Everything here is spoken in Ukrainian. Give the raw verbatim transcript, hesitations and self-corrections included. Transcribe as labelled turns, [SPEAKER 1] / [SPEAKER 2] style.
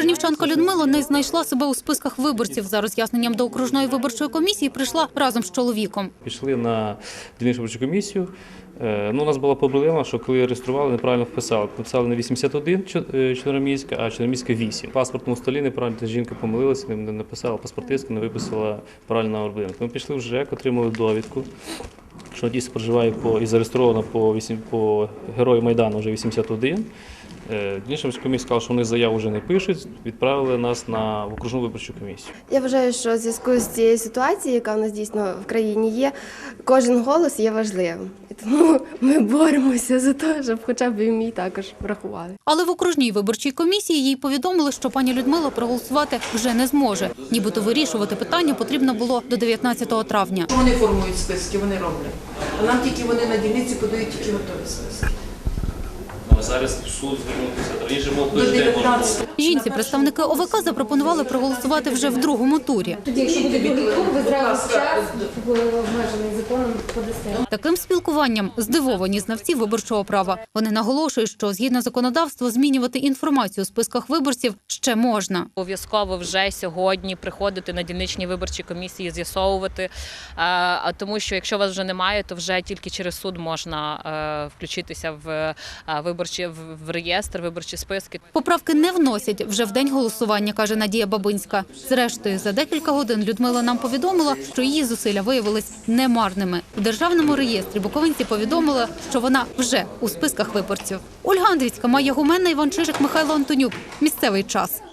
[SPEAKER 1] Антонівчанка Людмила не знайшла себе у списках виборців. За роз'ясненням до окружної виборчої комісії прийшла разом з чоловіком.
[SPEAKER 2] Пішли на дільничну виборчу комісію. Ну, у нас була проблема, що коли реєстрували, неправильно вписали. Написали не вісімдесят один Чорноміська, а Чорноміська вісім. В паспортному столі неправильно, жінка помилилася, не написала паспортистку, не виписала правильно орбинок. Ми пішли в ЖЕК, отримали довідку, що дійсно проживає по, і зареєстровано по, по Герою Майдану вже вісімдесят один. Дільнична комісія сказала, що вони заяву вже не пишуть, відправили нас на окружну виборчу комісію.
[SPEAKER 3] Я вважаю, що в зв'язку з цією ситуацією, яка в нас дійсно в країні є, кожен голос є важливим. І тому ми боремося за те, щоб хоча б і мій також врахували.
[SPEAKER 1] Але в окружній виборчій комісії їй повідомили, що пані Людмила проголосувати вже не зможе. Нібито вирішувати питання потрібно було до дев'ятнадцятого травня.
[SPEAKER 4] Вони формують списки, вони роблять. А нам тільки вони на дільниці подають тільки готові списки.
[SPEAKER 2] Зараз в суд звернутися, раніше був тиждень можна було.
[SPEAKER 1] Жінці представники О В К запропонували проголосувати вже в другому турі.
[SPEAKER 5] Тоді, якщо буде другий тур, ви зразу час обмежений законом подасте.
[SPEAKER 1] Таким спілкуванням здивовані знавці виборчого права. Вони наголошують, що згідно законодавства змінювати інформацію у списках виборців ще можна.
[SPEAKER 6] Обов'язково вже сьогодні приходити на дільничні виборчі комісії, з'ясовувати, тому що якщо вас вже немає, то вже тільки через суд можна включитися в виборчі в реєстр, виборчі списки.
[SPEAKER 1] Поправки не вносять вже в день голосування, каже Надія Бабинська. Зрештою, за декілька годин Людмила нам повідомила, що її зусилля виявились немарними. У державному реєстрі буковинці повідомили, що вона вже у списках виборців. Ольга Андрійська, Майя Гуменна, Іван Чижик, Михайло Антонюк. Місцевий час.